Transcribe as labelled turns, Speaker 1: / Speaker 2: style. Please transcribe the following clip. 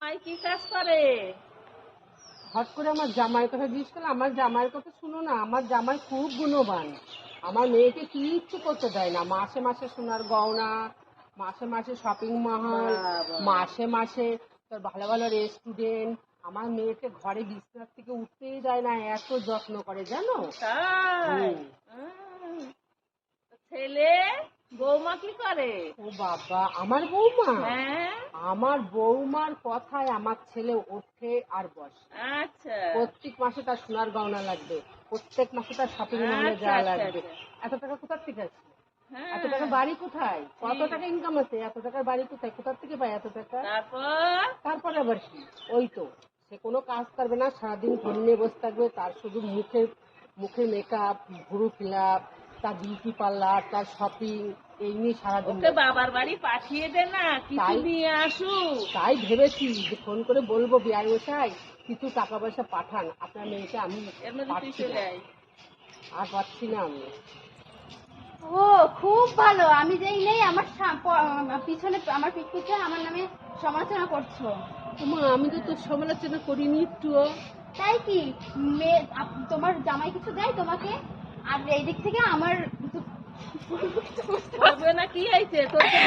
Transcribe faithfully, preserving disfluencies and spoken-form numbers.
Speaker 1: ভাই কি কাজ করে?
Speaker 2: হট করে আমার জামাইয়ের কথা জিজ্ঞেস করলে, আমার জামাইয়ের কথা শুনো না। আমার জামাই খুব গুণবান। আমার মেয়েকে কিচ্ছু করতে দেয় না। মাসে মাসে সোনার গয়না, মাসে মাসে শপিং মহল,
Speaker 1: বাবা।
Speaker 2: মাসে মাসে তোর ভালো ভালো রেস্টুরেন্ট। আমার মেয়েকে ঘরে বিছানার থেকে উঠতেই দেয় না, এত যত্ন করে জানো।
Speaker 1: তাই?
Speaker 2: হুম।
Speaker 1: উম, ছেলে বৌমা কি করে?
Speaker 2: ও বাবা, আমার বৌমা,
Speaker 1: হ্যাঁ,
Speaker 2: আমার বৌমার কথায় আমার ছেলে ওঠে আর বসে।
Speaker 1: আচ্ছা
Speaker 2: প্রত্যেক মাসে তার সোনার গয়না লাগবে, প্রত্যেক মাসে তার শপিং মহলে
Speaker 1: আচ্ছা
Speaker 2: যাওয়া
Speaker 1: আচ্ছা
Speaker 2: লাগবে।
Speaker 1: আচ্ছা।
Speaker 2: এত টাকা কোথার থেকে আছে? এত টাকা
Speaker 1: হ্যাঁ,
Speaker 2: বাড়ি কোথায়? কত
Speaker 1: ঠিক।
Speaker 2: টাকা ইনকাম আছে? এত টাকার বাড়ি কোথায়? কোথার থেকে পায় এত টাকা?
Speaker 1: তারপর
Speaker 2: তারপরে আবার কি? ওই তো, সে কোনো কাজ করবে না, সারাদিন ফোন নিয়ে বসে থাকবে। তার শুধু মুখের মুখের মেকআপ, ভুরু ফিলাপ, তার বিউটি পার্লার, তার শপিং, এই নিয়ে সারাদিন
Speaker 1: ওকে
Speaker 2: ব্যস্ত।
Speaker 1: বাবার বাড়ি পাঠিয়ে দে না, কিছু
Speaker 2: তাই
Speaker 1: নিয়ে আসুক।
Speaker 2: তাই ভেবেছি যে ফোন করে বলবো, বিআই মশাই কিছু টাকা পয়সা পাঠান, আপনার মেয়েকে আমি
Speaker 1: এর মধ্যে তুই
Speaker 2: পাচ্ছি
Speaker 1: চলে
Speaker 2: না,
Speaker 1: আয়।
Speaker 2: আর পাচ্ছি না আমি।
Speaker 3: ও খুব ভালো। আমি যেই নেই আমার সা- প- পিছনে আমার পিঠ পিছে আমার নামে সমালোচনা করছো।
Speaker 2: মা, আমি তো তোর সমালোচনা করিনি একটুও।
Speaker 3: তাই কি? মেয়ে আপ- তোমার জামাই কিছু দেয় তোমাকে? আর এই দিক থেকে আমার
Speaker 1: হবে না কি হয়েছে তোর?